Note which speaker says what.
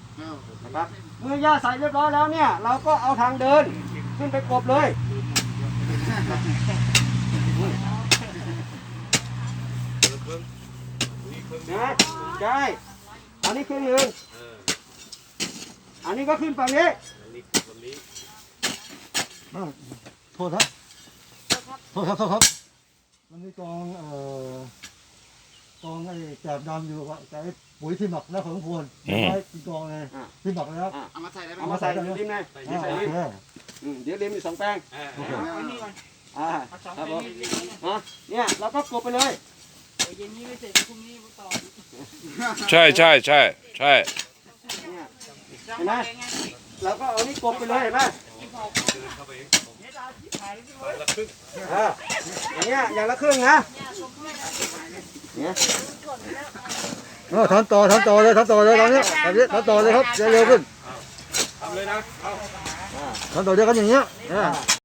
Speaker 1: นะครับเมื่อหญ้าใส่เรียบร้อยแล้วเนี่ยเราก็เอาทางเดินขึ้นไปกบเลยนะใช่อันนี้ขึ้นหนึ่งอันนี้ก็ขึ้นฝั่งนี้
Speaker 2: โทษครับโทษครับมันมีกองไอ้แกบดำอยู่ว่าไอ้ปุ๋ยที่หมักแล้วของควรใช้กี่กองไงที่หมักแล้ว
Speaker 1: เอามาใส่ริมไงใส่ริมเดี๋ยวริมมี2 แปลง
Speaker 3: เอานี่ก่อน
Speaker 1: ครับผมเนี่ยเราก็กบไปเลย
Speaker 3: เย็นนี้ไม่เสร็จพรุ่งนี้ต่อ
Speaker 4: ใช่ใช่ใช่ใช่
Speaker 1: เห็นไหมเราก็เอานี่กบไปเลยเห็นไหมอย่างเงี้ยอย่างละครึ่งนะเนี่ย
Speaker 2: ทำต่อเลยตอนนี้ทำต่อเลยครับเร็วขึ้น
Speaker 1: ทำเลยนะ
Speaker 2: ทำต่อเดียวกันอย่างเงี้ย